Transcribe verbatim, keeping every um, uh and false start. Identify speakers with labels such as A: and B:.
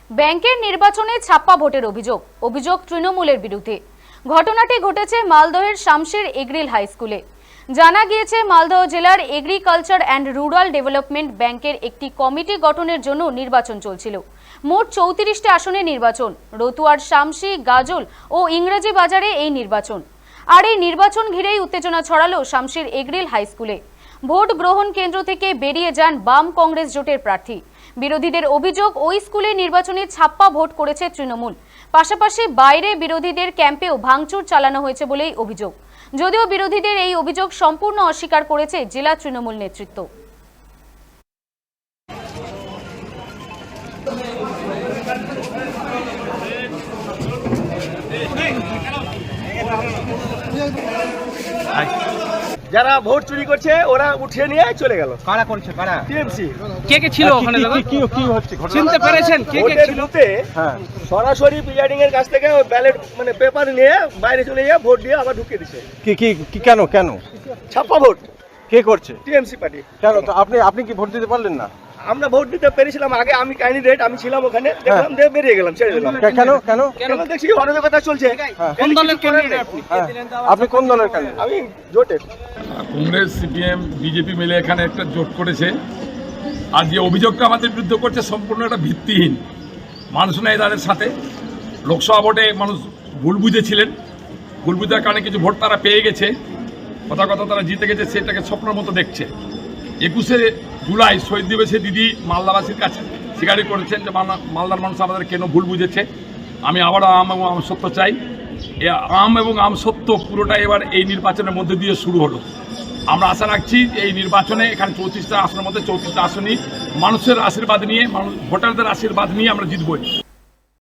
A: ব্যাংকের নির্বাচনে ছাপ্পা ভোটের অভিযোগ অভিযোগ তৃণমূলের বিরুদ্ধে। ঘটনাটি ঘটেছে মালদহের শামশির এগ্রিল হাই স্কুলে। জানা গিয়েছে মালদহ জেলার এগ্রিকালচার অ্যান্ড রুরাল ডেভেলপমেন্ট ব্যাংকের একটি কমিটি গঠনের জন্য নির্বাচন চলছিল। মোট চৌত্রিশটি আসনে নির্বাচন। রতুয়ার শামশি, গাজল ও ইংরেজি বাজারে এই নির্বাচন। আর এই নির্বাচন ঘিরেই উত্তেজনা ছড়ালো শামশির এগ্রিল হাই স্কুলে। ভোট গ্রহণ কেন্দ্র থেকে বেরিয়ে যান বাম কংগ্রেস জোটের প্রার্থী। বিরোধীদের অভিযোগ, ওই স্কুলে নির্বাচনে ছাপ্পা ভোট করেছে তৃণমূল। পাশাপাশি বাইরে বিরোধীদের ক্যাম্পেও ভাঙচুর চালানো হয়েছে বলেই অভিযোগ। যদিও বিরোধীদের এই অভিযোগ সম্পূর্ণ অস্বীকার করেছে জেলা তৃণমূল নেতৃত্ব।
B: যারা ভোট চুরি করছে ওরা উঠিয়ে নিয়ে চলে গেল।
C: কারা করছে? কারা?
B: টিএমসি।
C: কে কে ছিল ওখানে দাদা?
B: কি কি হচ্ছে ঘটনা
C: চিনতে পেরেছেন কে কে ছিল?
B: হ্যাঁ, সরাসরি প্রিজাইডিং এর কাছ থেকে ব্যালট মানে পেপার নিয়ে বাইরে চলে গিয়ে ভোট দিয়ে আবার ঢুকিয়ে দিচ্ছে।
D: কি কি কি কেন কেন
B: ছাপ্পা ভোট
D: কে করছে?
B: TMC party.
D: কেন তো আপনি আপনি কি ভোট দিতে পারলেন না?
B: আমরা ভোট দিতে পেরেছিলাম আগে, আমি ক্যান্ডিডেট, আমি ছিলাম ওখানে, দেখলাম দিয়ে বেরিয়ে গেলাম, ছেড়ে দিলাম।
D: কে- কেন কেন
B: কেন দেখছি অরাজকতা চলছে।
C: কোন দলের ক্যান্ডিডেট আপনি?
D: হ্যাঁ, আপনি কোন দলের ক্যান্ডিডেট?
B: আমি জোটের।
E: কংগ্রেস, সিপিএম, বিজেপি মিলে এখানে একটা জোট করেছে। আর যে অভিযোগটা আমাদের বিরুদ্ধে করছে সম্পূর্ণ একটা ভিত্তিহীন। মানুষ নেই তাদের সাথে। লোকসভা ভোটে মানুষ ভুল বুঝেছিলেন, ভুল বুঝার কারণে কিছু ভোট তারা পেয়ে গেছে, কথা কথা তারা জিতে গেছে, সেটাকে স্বপ্নের মতো দেখছে। একুশে জুলাই শহীদ দিবসে দিদি মালদাবাসীর কাছে স্বীকারই করেছেন যে মালদার মানুষ আমাদের কেন ভুল বুঝেছে। আমি আবারও আম এবং আম সত্য চাই। এ আম এবং আম সত্য পুরোটা এবার এই নির্বাচনের মধ্যে দিয়ে শুরু হলো। আমরা আশা রাখছি যে এই নির্বাচনে এখানে চৌত্রিশটা আসনের মধ্যে চৌত্রিশটা আসনই মানুষের আশীর্বাদ নিয়ে, মানুষ ভোটারদের আশীর্বাদ নিয়ে আমরা জিতবই।